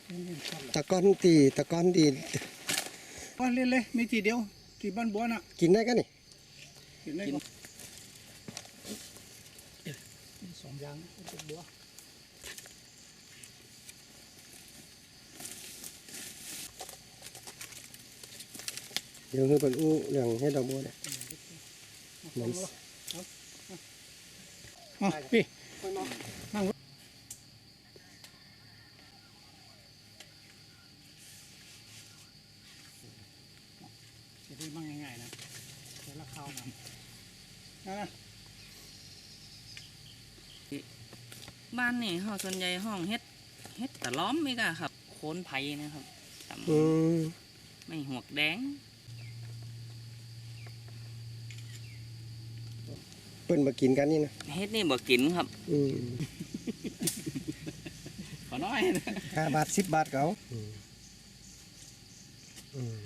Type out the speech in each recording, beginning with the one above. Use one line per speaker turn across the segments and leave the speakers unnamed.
ตะก้อนตี
ว่าเล่นเลยมีทีเดียวที่บ้านบัวน่ะ
กินได้กันนี่
กินได้ก็สองอย่างเป็นบัว
เดี๋ยวคือเป็นอู้อย่างให้ดอกบัวเนี่ยเหมือน
พี่นั่งจะได้มั่งง่ายๆนะเดี๋ยวละข้าวนะ
บ้านนี่ห้องส่วนใหญ่ห้องเฮ็ดตะล้อมไม่กะครับโคนไผ่นะครับ
อืม
ไม่หวกแดง
เปิ้นมากินกันนี่นะ
เฮ็ดนี่บ่กินครับ
อืม
ขอน้อย
5 บาท 10 บาทเขาอืม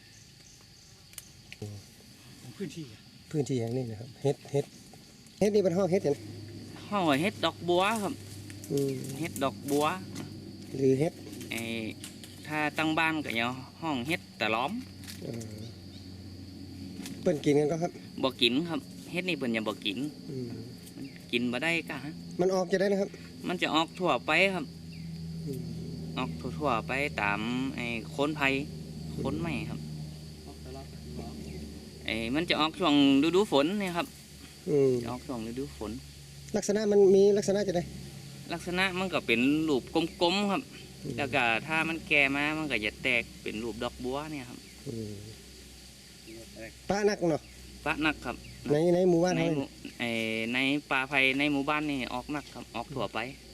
พื้นที่
พื้นที่อย่างนี้นะครับเฮ็ดนี่เป็นห้องเฮ็ดเห็น
ห้องเฮ็ดดอกบัวครับ
อืม
เฮ็ดดอกบัว
หรือเฮ็ด
ไอ้ถ้าตั้งบ้านก็อย่าห้องเฮ็ดตะล้อม
เอ่อเปิ้นกินกันก็ครับ
บ่กินครับเฮ็ดนี่เพิ่นยังบ่กิน
อืม
กินบ่ได้กะ
มันออกจะได้นะครับ
มันจะออกทั่วไปครับ
อืม
ออกทั่วๆไปตามไอ้โคนไผ่โคนไม้ครับไอ้มันจะออกช่วงฤดูฝนเนี่ยครับ
อืม
จะออกช่วงฤดูฝน
ลักษณะมันมีลักษณะจะได้
ลักษณะมันก็เป็นรูปกลมๆครับ แล้วก็ถ้ามันแก่มามันก็จะแตกเป็นรูปดอกบัวเนี่ยครับ
อืมป้านักเนาะ
ปะนักครับ
ในหมู่บ้าน
ใน
เฮา
หมู่ในป่าไผ่ในหมู่บ้านนี่ออกนักครับออกทั่วไป
อ